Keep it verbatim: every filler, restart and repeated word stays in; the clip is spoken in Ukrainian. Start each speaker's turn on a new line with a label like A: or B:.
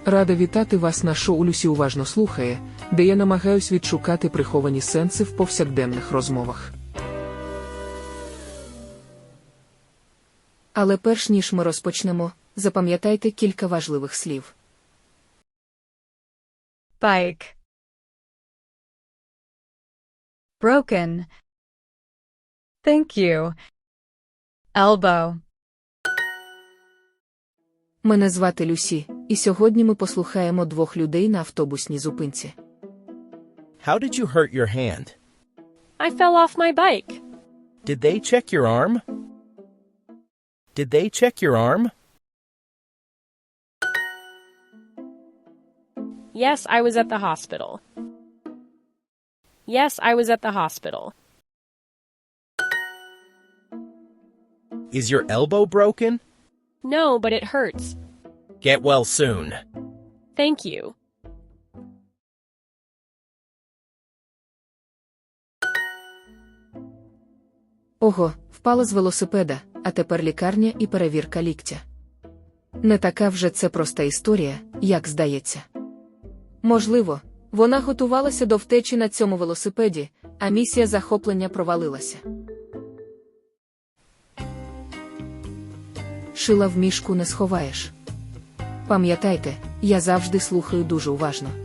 A: Рада вітати вас на шоу «Люсі уважно слухає», де я намагаюсь відшукати приховані сенси в повсякденних розмовах.
B: Але перш ніж ми розпочнемо, запам'ятайте кілька важливих слів.
C: Bike. Broken. Thank you. Elbow.
B: Мене звати Люсі, і сьогодні ми послухаємо двох людей на автобусній зупинці.
D: How did you hurt your hand?
E: I fell off my bike.
D: Did they check your arm? Did they check your arm?
E: Yes, I was at the hospital. Yes, I was at the hospital.
D: Is your elbow broken?
E: No, but it hurts.
D: Get well soon.
E: Thank you.
B: Ого, впала з велосипеда, а тепер лікарня і перевірка ліктя. Не така вже це проста історія, як здається. Можливо, вона готувалася до втечі на цьому велосипеді, а місія захоплення провалилася. Шила в мішку не сховаєш. Пам'ятайте, я завжди слухаю дуже уважно.